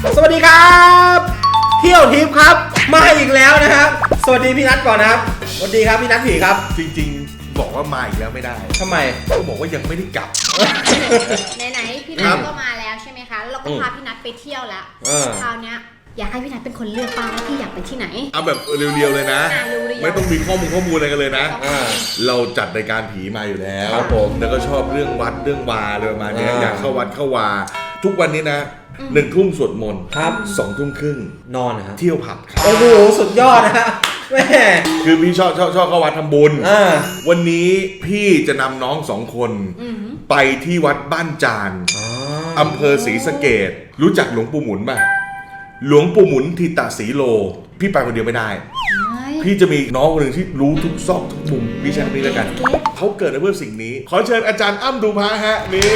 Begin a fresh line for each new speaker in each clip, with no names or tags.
สวัสดีครับเที่ยวทิพย์ครับมาอีกแล้วนะครับสวัสดีพี่นัทก่อนนะครับสวัสดีครับพี่นัทผีครับ
จริงๆบอกว่ามาอีกแล้วไม่ได้
ทำไม
ก็บอกว่ายังไม่ได้กลับ
ไหนๆพี่นัทก็มาแล้วใช่ไหมคะเราก็พาพี่นัทไปเที่ยวแล้วคราวนี้อยากให้พี่นัทเป็นคนเลือกบ้างว่าพี่อยากไปที่ไหน
เอาแบบเรียวๆเลยนะไม่ต้องมีข้อมูลอะไรกันเลยนะเราจัดรายการผีมาอยู่แล้ว
ครับผม
แล้วก็ชอบเรื่องวัดเรื่องวาอะไรประมาณนี้อยากเข้าวัดเข้าวาทุกวันนี้นะ1 ทุ่มสวดมนต์
ครับ
2 ทุ่มครึ่ง
นอนนะฮะ
เที่ยวผับครับ
โอ้โหสุดยอดนะฮะแม่
คือพี่ชอบเข้าวัดทำบุญวันนี้พี่จะนำน้อง2 คนไปที่วัดบ้านจานอำเภอศรีสะเกษรู้จักหลวงปู่หมุนป่ะหลวงปู่หมุนทิตาสีโลพี่ไปคนเดียวไม่ได้พี่จะมีน้องคนหนึ่งที่รู้ทุกซอกทุกมุมพี่แชร์นี้แล้วกันเขาเกิดมาเพื่อสิ่งนี้ขอเชิญอาจารย์อ้ำดูพระฮะนี่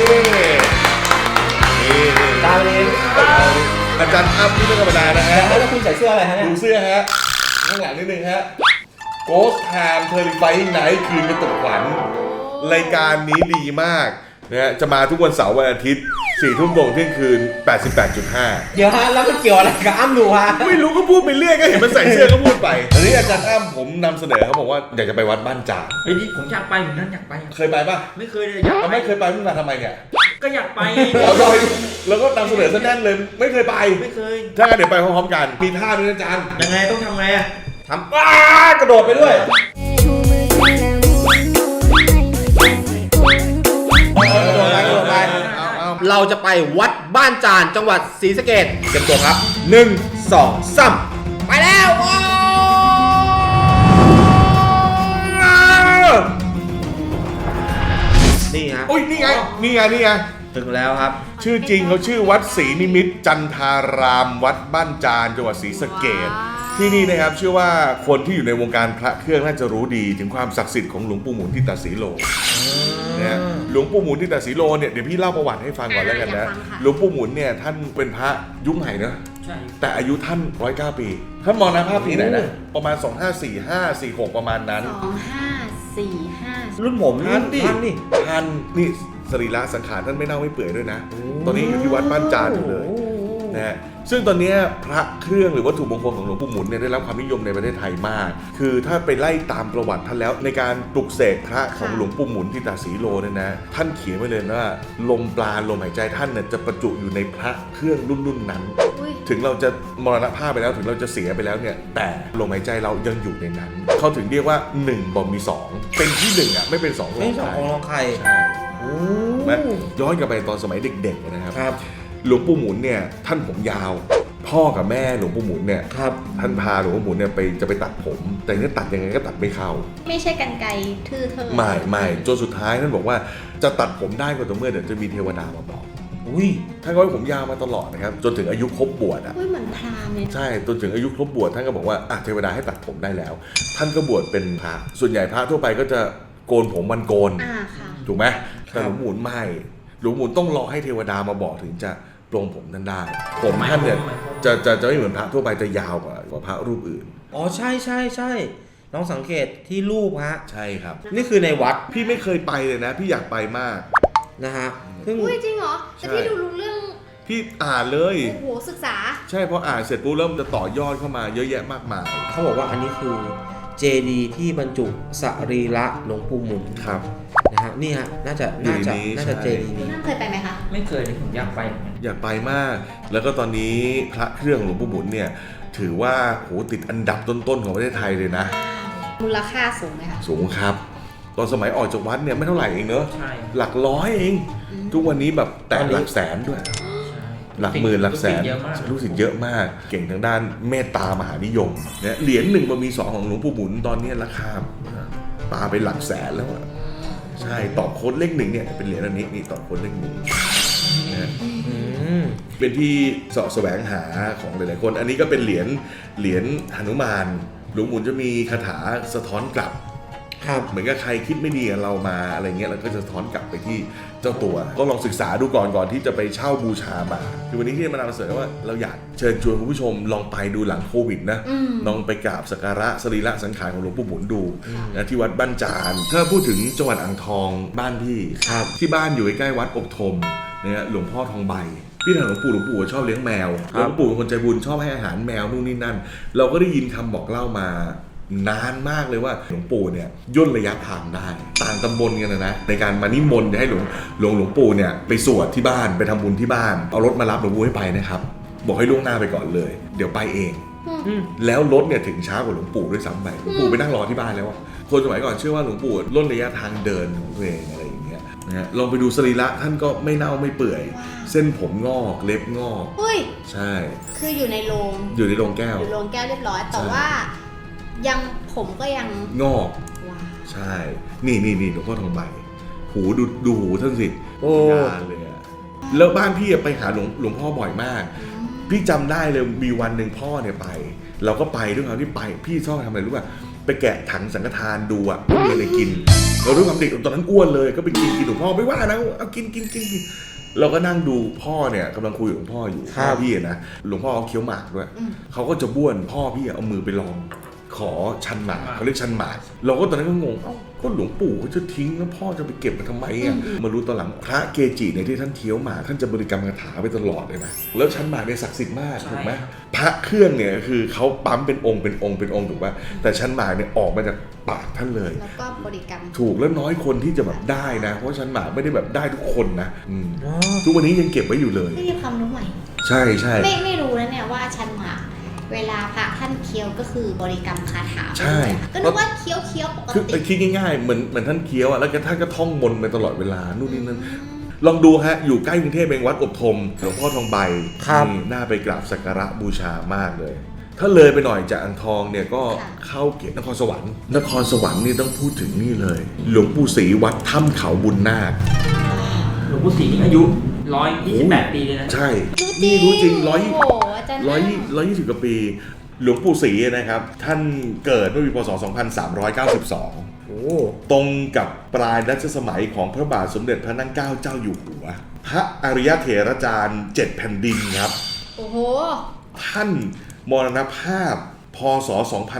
ตาเอง
อาจารย์อ้ำที่ไม่ธรรมดานะฮะ
แล้วคุณใส่เสื้ออะไรฮะเนี่ย
ดูเสื้อฮะข้างหลังนิดนึงฮะ Ghost Time Terrifying Night คืนกระตุกขวัญรายการนี้ดีมากนะฮะจะมาทุกวันเสาร์วันอาทิตย์4 ทุ่มตรงเที่ยงคืน 88.5
เดี๋ยวฮะแล้วมันเกี่ยวอะไรกับอ้ำดูฮะ
ไม่รู้ก็พูดไปเรื่อยก็เห็นมันใส่เสื้อก็พูดไปอันนี้อาจารย์อ้ำผมนำเสนอเขาบอกว่าอยากจะไปวัดบ้านจาน
เฮ้ยผมอยากไปเหมือนกันอยากไป
เคยไปป่ะ
ไม่เคยเลยอยาก
ไม่เคยไปมึงมาทำไมเนี่ย
ก็อยากไป
แล้วก็นำเสนอซะแน่นเลยไม่เคยไป
ไม่เคย
ถ้างั้นเดี๋ยวไปพร้อมๆกันมีท่าด้วยนะอาจารย์
ยังไงต้องทำไงอะ
ทำกระโดดไปด้วยเราจะไปวัดบ้านจานจังหวัดศรีสะเกษเตรียมตัวครับ1 2 3ไปแล้วนี่ฮะ
โอ้ยนี่ไง
ถึงแล้วครับ
ชื่อจริงเขาชื่อวัดศรีนิมิตรจันทารามวัดบ้านจานจังหวัดศรีสะเกษที่นี่นะครับเชื่อว่าคนที่อยู่ในวงการพระเครื่องน่าจะรู้ดีถึงความศักดิ์สิทธิ์ของหลวงปู่หมุนทิตาสีโลนะหลวงปู่หมุนทิตาสีโลเนี่ยเดี๋ยวพี่เล่าประวัติให้ฟังก่อนแล้วกันนะหลวงปู่หมุนเนี่ยท่านเป็นพระยุคใหม่เนอะแต่อายุท่าน109 ปีท่านมรณภาพปีไหนนะประมาณ2545-46ประมาณนั้น
2545
รุ่นผม
ท่านนี่สรีระสังขารท่านไม่เน่าไม่เปื่อยด้วยนะตอนนี้อยู่ที่วัดบ้านจานอยู่เลยนะฮะซึ่งตอนนี้พระเครื่องหรือวัตถุมงคลของหลวงปู่หมุนเนี่ยได้รับความนิยมในประเทศไทยมากคือถ้าไปไล่ตามประวัติท่านแล้วในการปลุกเสกพระของหลวงปู่หมุนทิตาสีโลเนี่ยนะท่านเขียนไว้เลยว่าลมปราณลมหายใจท่านเนี่ยจะประจุอยู่ในพระเครื่องรุ่นนั้นถึงเราจะมรณภาพไปแล้วถึงเราจะเสียไปแล้วเนี่ยแต่ลมหายใจเรายังอยู่ในนั้นเขาถึงเรียกว่า1บ่มี2เป็นที่1อ่ะไม่เป็น2
ไม่2ของใคร
ใช่ย้อนกลับไปตอนสมัยเด็กๆนะครับหลวงปู่หมุนเนี่ยท่านผมยาวพ่อกับแม่หลวงปู่หมุนเนี่ยท่านพาหลวงปู่หมุนเนี่ยจะไปตัดผมแต่เนี่ยตัดยังไงก็ตัดไม่เข้า
ไม่ใช่กรรไกรทื่อเธอ
ไม่จนสุดท้ายท่านบอกว่าจะตัดผมได้ก็ต่อเมื่อเดี๋ยวจะมีเทวดามาบอกท่านก็ให้ผมยาวมาตลอดนะครับจนถึงอายุครบบวชอ่ะ
เหมือนพราหมณ์เนี่ย
ใช่จนถึงอายุครบบวชท่านก็บอกว่าเทวดาให้ตัดผมได้แล้วท่านก็บวชเป็นพระส่วนใหญ่พระทั่วไปก็จะโกนผมวันโกนถูกไหมแต่หลวงปู่หมุนไม่หลวงปู่หมุนต้องรอให้เทวดามาบอกถึงจะปลงผมท่านได้ผมท่านเนี่ยจะไม่เหมือนพระทั่วไปจะยาวกว่าพระรูปอื่น
อ๋อใช่น้องสังเกตที่รูปฮะ
ใช่ครับ
นี่คือในวัด
พี่ไม่เคยไปเลยนะพี่อยากไปมาก
นะฮะ
อุ้ยจริงเหรอแต่พี่ดูรู้เรื่อง
พี่อ่านเลย
โอ้โหศึกษา
ใช่พออ่านเสร็จปุ๊บเริ่มจะต่อยอดเข้ามาเยอะแยะมากมาย
เขาบอกว่าอันนี้คือเจดีย์ที่บรรจุสรีระหลวงปู่หมุน
ครับ
นะฮะนี่ฮะน่าจะเจดีย์นี้
เคยไปไหมคะ
ไม่เคยเลยผมอยาก
ไปมากแล้วก็ตอนนี้พระเครื่องหลวงปู่หมุนเนี่ยถือว่าโหติดอันดับต้นๆของประเทศไทยเลยนะ
มูลค่าสูงไหมคะ
สูงครับตอนสมัยออกจากวัดเนี่ยไม่เท่าไหร่เองเนอะหลักร้อยเองทุกวันนี้แบบแต่หลักแสนด้วยหลักหมื่นหลักแสนลูกศิษย์เยอะมากเก่งทางด้านเมตตามหานิยมเนี่ยเหรียญ1 บาทมี 2ของหลวงปู่หมุนตอนนี้ราคาปาไปหลักแสนแล้วอ่ะใช่ต่อโค้ดเลข 1เนี่ยเป็นเหรียญอันนี้นี่ต่อโค้ดเลข 1นะเป็นที่เสาะแสวงหาของหลายๆคนอันนี้ก็เป็นเหรียญหนุมานหลวงปู่หมุนจะมีคาถาสะท้อนกลับเหมือนกับใครคิดไม่ดีกับเรามาอะไรเงี้ยเราก็จะท้อนกลับไปที่เจ้าตัวก็ลองศึกษาดูก่อนที่จะไปเช่าบูชามาคือวันนี้ที่มานำเสนอว่าเราอยากเชิญชวนคุณผู้ชมลองไปดูหลังโควิดนะลองไปกราบสักการะสรีระสังขารของหลวงปู่หมุนดูนะที่วัดบ้านจานถ้าพูดถึงจังหวัดอ่างทองบ้านพี่ที่บ้านอยู่ใกล้วัดอบธมนเนี่ยหลวงพ่อทองใบพี่ถามหลวงปู่ชอบเลี้ยงแมวหลวงปู่เป็นคนใจบุญชอบให้อาหารแมวนู่นนี่นั่นเราก็ได้ยินคำบอกเล่ามานานมากเลยว่าหลวงปู่เนี่ยย่นระยะทางได้ต่างตำบลกันนะในการมานิมนต์ให้หลวงปู่เนี่ยไปสวดที่บ้านไปทำบุญที่บ้านเอารถมารับหลวงปู่ให้ไปนะครับบอกให้ล่วงหน้าไปก่อนเลยเดี๋ยวไปเองแล้วรถเนี่ยถึงช้ากว่าหลวงปู่ด้วยซ้ำไปหลวงปู่ไปนั่งรอที่บ้านแล้วอะคนสมัยก่อนเชื่อว่าหลวงปู่ล่นระยะทางเดินของตัวเองอะไรอย่างเงี้ยนะฮะลองไปดูสรีระท่านก็ไม่เน่าไม่เปื่อยเส้นผมงอกเล็บงอกใช่
คืออยู่ในโรง
แก้ว
อยู่โรงแก้วเรียบร้อยแต่ว่ายังผมก็ยัง
งอกใช่นี่หลวงพ่อทองใบหูดูหูท่านสิยานเลยอะแล้วบ้านพี่ไปหาหลวงพ่อบ่อยมากพี่จำได้เลยมีวันหนึ่งพ่อเนี่ยไปเราก็ไปด้วยความที่ไปพี่ชอบทำอะไรรู้ป่ะไปแกะถังสังฆทานดูอะว่ามีอะไรกินเราด้วยความเด็กตอนนั้นอ้วนเลยก็ไปกินหลวงพ่อไม่ว่านะเอากินเราก็นั่งดูพ่อเนี่ยกำลังคุยกับหลวงพ่ออยู่พ่อพี่นะหลวงพ่อเขาเคี้ยวหมากด้วยเขาก็จะบ้วนพ่อพี่เอามือไปลองขอชันหมากเขาเรียกชันหมากเราก็ตอนนั้นก็งงก็หลวงปู่เขาจะทิ้งแล้วพ่อจะไปเก็บมาทำไมอ่ะมารู้ตอนหลังพระเกจิในที่ท่านเคี้ยวหมากท่านจะบริกรรมคาถาไปตลอดเลยนะแล้วชันหมากเนี่ยศักดิ์สิทธิ์มากถูกไหมพระเครื่องเนี่ยคือเขาปั๊มเป็นองค์ถูกป่ะแต่ชันหมากเนี่ยออกมาจากปากท่านเลย
แล้วก็บริกรรม
ถูกแล้วน้อยคนที่จะแบบได้นะเพราะชันหมากไม่ได้แบบได้ทุกคนนะทุกวันนี้ยังเก็บไว้อยู่เลย
นี่ความรู้ใหม่
ใช่
ไม่รู้นะเนี่ยว่าชันหมากเวลาพระท่านเคี้ยวก็คือบริกรรมคาถา
ใช่
ก็นึกว่าเคี้ยวปกติ
คือคิดง่ายๆเหมือนท่านเคี้ยวอ่ะแล้วท่านก็ท่องมนต์ไปตลอดเวลานู่นนี่นั่นลองดูฮะอยู่ใกล้กรุงเทพเองวัดอบธมหลวงพ่อทองใบนี่น่าไปกราบสักการะบูชามากเลยถ้าเลยไปหน่อยจากอ่างทองเนี่ยก็เข้าเขตนครสวรรค์นี่ต้องพูดถึงนี่เลยหลวงปู่ศรีวัดถ้ำเขาบุญนาค
หลวงปู่ศรีนี่อายุ128 ปีเลยนะ
ใช่นี่รู้จริง120 กว่าปีหลวงปู่ศรีนะครับท่านเกิดเมื่อปีพ.ศ. 2392ตรงกับปลายรัชสมัยของพระบาทสมเด็จพระนั่งเกล้าเจ้าอยู่หัวพระอริยเถรจารย์7แผ่นดินครับ
โอ้โห
ท่านมรณภาพพ.ศ.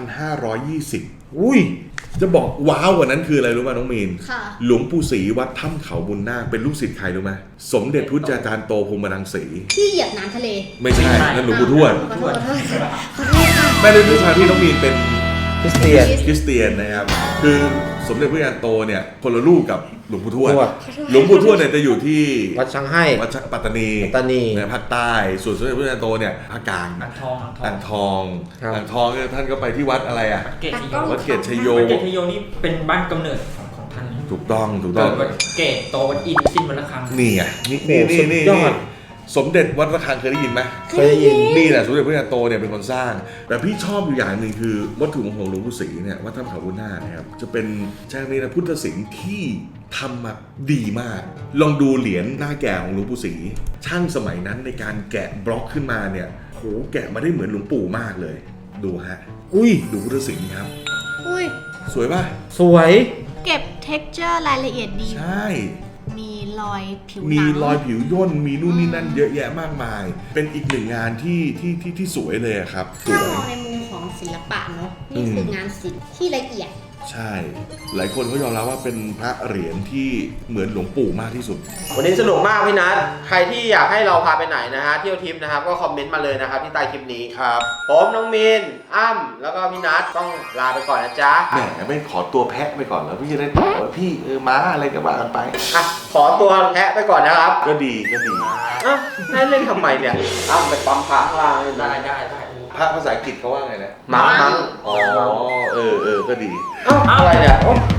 2520อุ้ยจะบอกว้าวกว่านั้นคืออะไรรู้ป่ะน้องมีนหลวงปู่ศรีวัดถ้ำเขาบุญนาคเป็นลูกศิษย์ใครรู้ไหมสมเด็จพุทธาจารย์โตพรหมรังสี
ที่เหยียบน้ำทะเล
ไม่ใช่นั่นหลวงปู่ทวดแม่เล่นด้วยความที่น้องมีนเป็นคริสเตียนนะครับคือสมเด็จพระยาโตเนี่ยคนละลูกกับหลวงปู่ทวดหลวงปู่ทวดเนี่ยจะอยู่ที่
วัดช้างให้
วัดปัตตานีในภาคใต้ส่วนสมเด็จพระยาโตเนี่ยภาคกลาง
อ่
างทองท่านก็ไปที่วัดอะไรอ่ะวัดเกตชโย
นี่เป็นบ้านกำเนิดของท่าน
ถูกต้อง
วัดเกตโตวัดอินสิ้นวัดระฆัง
นี่ไงนี่สมเด็จวัดระฆังเคยได้ยินไหม
เคยได้ยิน
นี่แหละสมเด็จพระยาโตเนี่ยเป็นคนสร้างแต่พี่ชอบอยู่อย่างหนึ่งคือวัตถุมงคลหลวงปู่ศรีเนี่ยวัดถ้ำเขาบุญนาคนะครับจะเป็นแช่นี้นะพุทธศิลป์ที่ทำมาดีมากลองดูเหรียญหน้าแก่ของหลวงปู่ศรีช่างสมัยนั้นในการแกะบล็อกขึ้นมาเนี่ยโหแกะมาได้เหมือนหลวงปู่มากเลยดูฮะดูพุทธศิลป์ครับสวยป่ะ
สวย
เก็บ texture รายละเอียดดี
ใช่
มีรอยผิว
ย่นมีนู่นนี่นั่นเยอะแยะมากมายเป็นอีกหนึ่งงานที่สวยเลยครับ
ถ้ามองในมุมของศิลปะเนาะนี่คืองานศิลป์ที่ละเอียด
ใช่หลายคนเขายอมรับว่าเป็นพระเหรียญที่เหมือนหลวงปู่มากที่สุด
วันนี้สนุกมากพี่นัทใครที่อยากให้เราพาไปไหนนะฮะเที่ยวทริปนะครับก็คอมเมนต์มาเลยนะครับที่ใต้คลิปนี้
ครับ
ผมน้องมีนอ้ำแล้วก็พี่นัทต้องลาไปก่อนนะจ๊ะ
แหมไม่ขอตัวแพะไปก่อนแล้วพี่จะได้ตอบว่าพี่ม้าอะไรก็ว่ากันไป
ขอตัวแพะไปก่อนนะครับ
ก็ดี
ให้เล่นทำไมเนี่ยอ้ำไปปั๊มพระข้างล่าง
ได้
พระภาษาอังกฤษเขาว่าไงนะ
มัง
อ๋อก็ดี
อะไรเนี่ย